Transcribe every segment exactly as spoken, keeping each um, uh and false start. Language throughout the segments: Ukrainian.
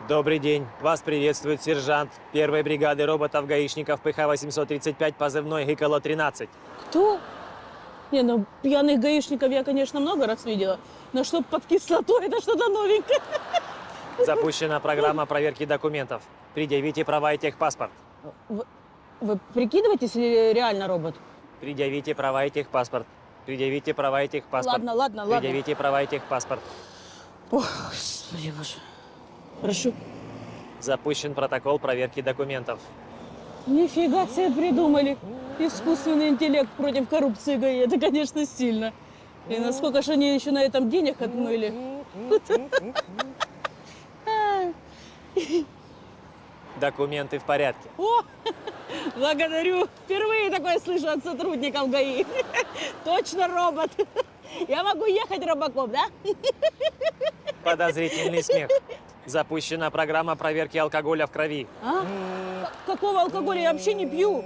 Добрый день. Вас приветствует сержант первой бригады роботов-гаишников ПХ восемьсот тридцать пять, позывной Гиколо тринадцать. Кто? Не, ну пьяных гаишников я, конечно, много раз видела, но чтоб под кислотой, это что-то новенькое. Запущена программа проверки документов. Предъявите права и техпаспорт. Вы, вы прикидываетесь или реально робот? Предъявите права и техпаспорт. Предъявите права и техпаспорт. Ладно, ладно, ладно. Предъявите права и техпаспорт. Ох, господи боже. Прошу. Запущен протокол проверки документов. Нифига себе придумали. Искусственный интеллект против коррупции ГАИ. Это, конечно, сильно. И насколько же они еще на этом денег отмыли. Документы в порядке. О, благодарю. Впервые такое слышу от сотрудников ГАИ. Точно робот. Я могу ехать робокоп, да? Подозрительный смех. Запущена программа проверки алкоголя в крови. А? К- Какого алкоголя? Я вообще не пью.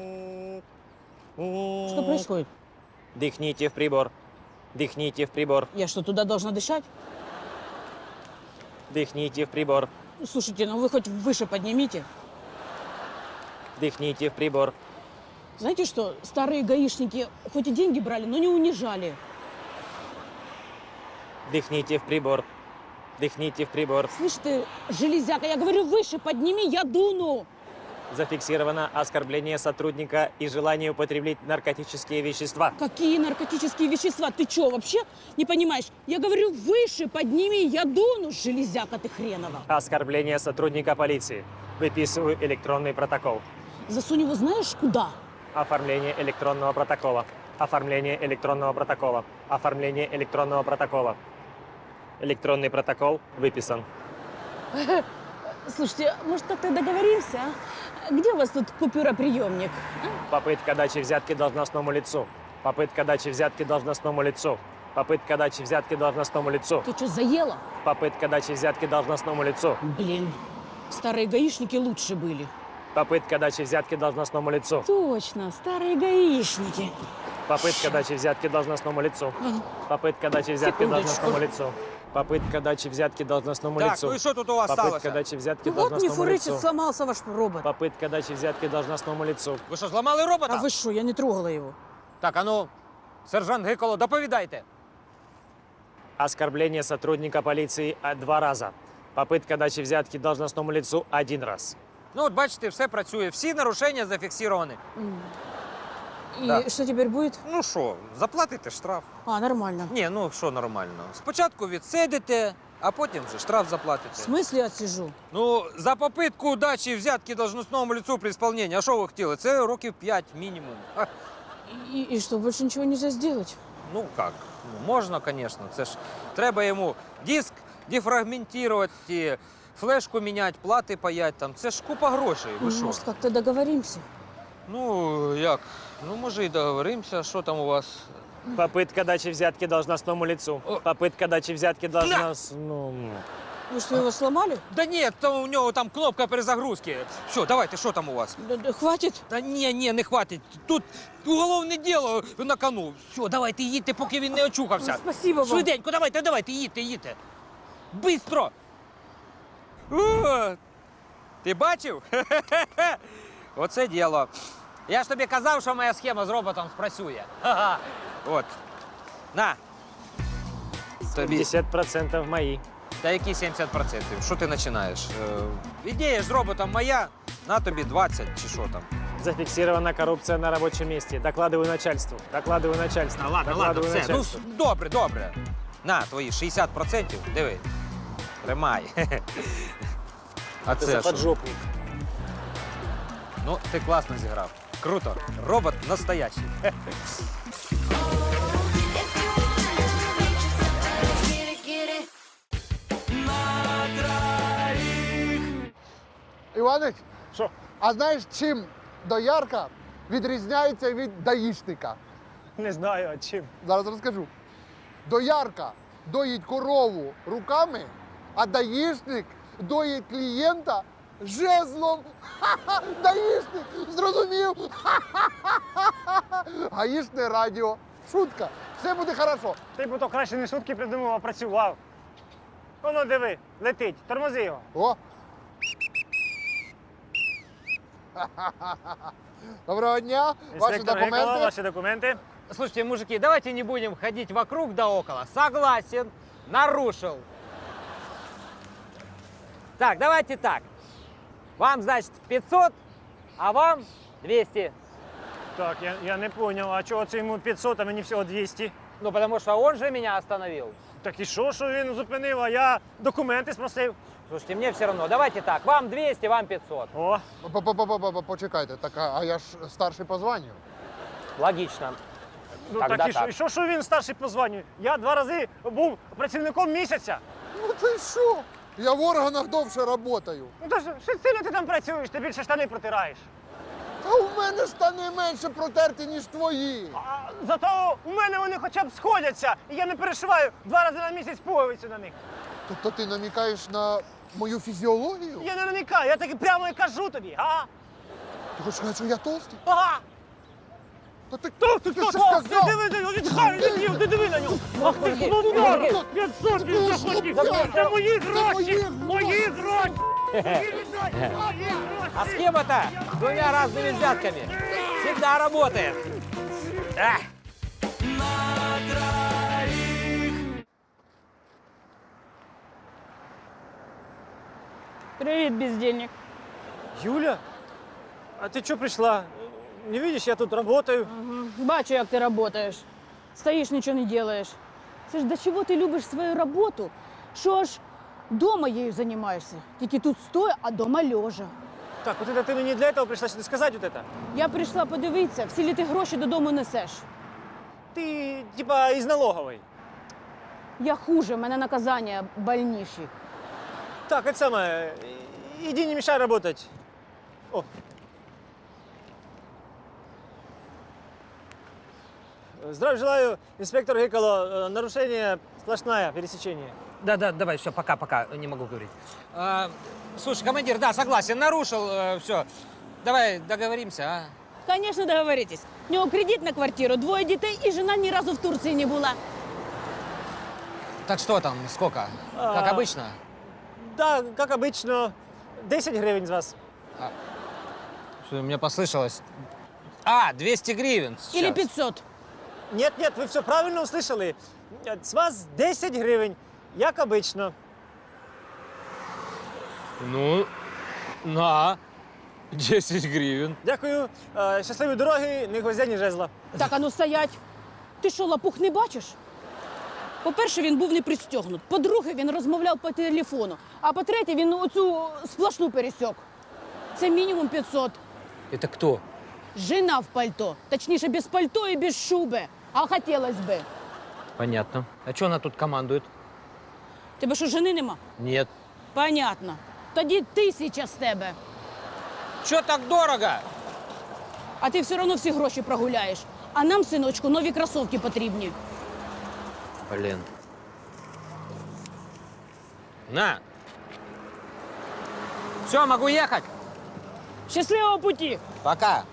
Что происходит? Дыхните в прибор. Дыхните в прибор. Я что, туда должна дышать? Дыхните в прибор. Слушайте, ну вы хоть выше поднимите. Дыхните в прибор. Знаете что, старые гаишники хоть и деньги брали, но не унижали. Дыхните в прибор. Дыхните в прибор. Слышь ты, железяка, я говорю, выше подними, я дуну. Зафиксировано оскорбление сотрудника и желание употреблять наркотические вещества. Какие наркотические вещества? Ты что, вообще не понимаешь? Я говорю, выше подними, я дуну, железяка ты хренова. Оскорбление сотрудника полиции. Выписываю электронный протокол. Засунь его знаешь куда? Оформление электронного протокола. Оформление электронного протокола. Оформление электронного протокола. Электронный протокол выписан. Слушайте, может, как-то договоримся, а? Где у вас тут купюроприемник? Попытка дачи взятки должностному лицу. Попытка дачи взятки должностному лицу. Попытка дачи взятки должностному лицу. Ты что, заела? Попытка дачи взятки должностному лицу. Блин, старые гаишники лучше были. Попытка дачи взятки должностному лицу. Точно, старые гаишники. Попытка дачи взятки должностному лицу. Ага. Попытка дачи взятки Секундочку. должностному лицу. Попытка дачи взятки должностному Так, лицу. ну и что тут у вас Попытка сталося? дачи взятки Ну вот не должностному фурычит, лицу. сломался ваш робот. Попытка дачи взятки должностному лицу. Ви що, зламали робота? А вы что, я не трогала его. Так, а ну, сержант Гиколо, доповідайте. Оскорбление сотрудника полиции а, два раза. Попытка дачи взятки должностному лицу один раз. Ну от бачите, все працює, всі нарушення зафіксовані. И Да. что теперь будет? Ну що, заплатите штраф? А, нормально. Ні, ну що нормально. Спочатку відсидите, а потім вже штраф В заплатите. смысле отсижу? Ну, за попитку дачі взятки должностному лицу при исполнении. А що ви хотіли? Це років п'ять мінімум. Ха, И, и что, больше ничего нельзя сделать? ну як? Ну, можна, звісно. Це ж треба йому диск дефрагментувати, флешку міняти, плати паять там. Це ж купа грошей. Ви що? Может, как-то договоримся? Ну, як? Ну, може, і договоримося. Що там у вас? Попытка дачи взятки должностному лицу. О. Попытка дачи взятки должностному... Вы что, его сломали? Да ні, то у нього там кнопка перезагрузки. Все, давайте, що там у вас? Да- да хватит? Та ні, ні, не хватить. Тут уголовне діло на кону. Все, давайте їдьте, поки він не очухався. Спасибо вам. Швиденько, давайте, давайте, їдьте, їдьте. Бистро! О, ти бачив? Оце діло. Я ж тобі казав, що моя схема з роботом спрацює. Ха-ха. От. На. Тобі. пятьдесят процентов мои. Та які сімдесят відсотків? Що ти починаєш? Е, ідея з роботом моя, на тобі двадцять чи що там. Зафиксирована коррупция на рабочем месте. Докладываю начальству. Докладываю начальству. Та ладно, ладно, Докладываю все. Ну, начальству. добре, добре. На, твої шістдесят відсотків, диви. Тримай. А Ты це за що? поджопник. Ну, ти класно зіграв. Круто. Робот настоящий. Іванич, Що? а знаєш, чим доярка відрізняється від даїшника? Не знаю, а чим. Зараз розкажу. Доярка доїть корову руками, а даїшник доїть клієнта жезлом. Ха-ха! Даїшник! Зрозумів? Ха-ха-ха! Гаїшне радіо. Шутка. Все буде хорошо. Ти б то краще не шутки придумав, а працював. Воно диви, летить, тормози його. О, Доброго дня. Ваші Інспектор документи. Гекала, ваші документи. Слушайте, мужики, давайте не будем ходить вокруг да около. Согласен, нарушил. Так, давайте так. Вам, значит, пятьсот, а вам двести. Так, я, я не зрозумів, а чого це йому п'ятсот, а мені всього двісті? Ну, потому что он же меня остановил. Так і що, що він зупинив, а я документи спросив? Слушайте, мне все равно. Давайте так. Вам двести, вам пятьсот. О, По-по-по-по-по- Почекайте, так, а а я ж старший по званню. Логично. ну Тогда так і що, так. і що, що він старший по званню? Я два рази був працівником місяця. Ну ти що? Я в органах довше працюю. Ну то ж, що сильно ти там працюєш, ти більше штани протираєш. Та у мене штани менше протерті, ніж твої. А зато у мене вони хоча б сходяться, і я не перешиваю два рази на місяць пуговицю на них. Тобто ти намікаєш на мою фізіологію? Я не намікаю, я таки прямо і кажу тобі, а? Ти хочеш сказати, що я толстий? Ага! Та ти, Хто ти, ти що хто? сказав? Ти диви на нього, відхай від нього, ти диви на нього! Ах ти Мужики, клоун! мужики. п'ятсот він Ну, захотів! слухай, Це мої це гроші! мої Мої гроші! Мої гроші! А схема-то с двумя разными взятками всегда работает. Эх. Привет, бездельник. Юля, а ти чого прийшла? Не видиш, я тут працюю. Ага. Бачу, як ти працюєш. Стоїш, нічого не робиш. Це ж до чого ти любиш свою роботу, що аж дома їю займаєшся. Тільки тут стоя, а дома лежа. Так, от це ти мені для цього прийшла сюди сказати от це? Я прийшла подивитися, всі ли ти гроші додому несеш. Ти, типа, із налогової. Я хуже, в мене наказання больніші. Так, это самое, иди не мешай работать. О. Здравия желаю, инспектор Гекало. Нарушение сплошное, пересечение. Да, да, давай, все, пока, пока, не могу говорить. А, слушай, командир, да, согласен, нарушил, все. Давай договоримся, а? Конечно, договоритесь. У нього кредит на квартиру, двоє дітей і жена ні разу в Турції не була. Так что там, сколько? А. Как обычно? Да, как обычно, десять гривен с вас. Что, мне послышалось? А, двести гривен сейчас. Или пятьсот. Нет, нет, вы все правильно услышали. С вас десять гривен, як обычно. Ну, на, десять гривен. Дякую, Е, щасливої дороги, ні гвоздя, ні жезла. Так, а ну стоять. Ти що, лапух не бачиш? По-перше, він був не пристегнут. По-друге, він розмовляв по телефону. А по-третє, він оцю сплошну пересік. Це мінімум п'ятсот. Это кто? Жена в пальто. Точніше, без пальто і без шуби. А хотілось би. Понятно. А что она тут командует? Тебе що, жени нема? Нет. Понятно. Тоді тисяча з тебе. Че так дорого? А ти все одно всі гроші прогуляєш. А нам, синочку, нові кросовки потрібні. Блин. На. Все, могу ехать? Щасливого путі! Пока.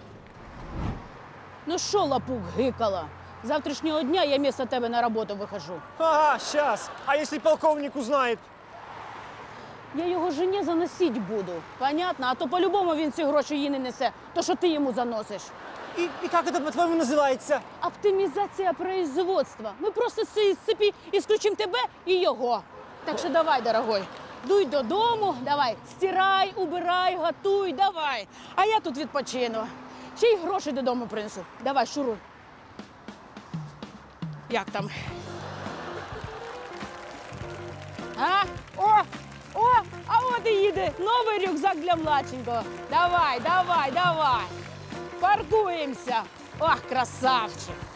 Ну що, лапух, гикала? З завтрашнього дня я вместо тебе на роботу вихожу. Ага, сейчас. А если полковник узнает? Я його жені заносить буду. Понятно? А то по-любому він ці гроші їй не несе. То, що ти йому заносиш. И, и как это, по-твоему, называется? Оптимізація производства. Ми просто з цієї цепі ісключимо тебе і його. Так що давай, дорогой, дуй додому, давай, стирай, убирай, готуй, давай. А я тут відпочину. Ще й гроші додому принесу. Давай, шуруй. Як там? А? О! О! А от і їде новий рюкзак для младшенького. Давай, давай, давай. Паркуємося. Ох, красавчик.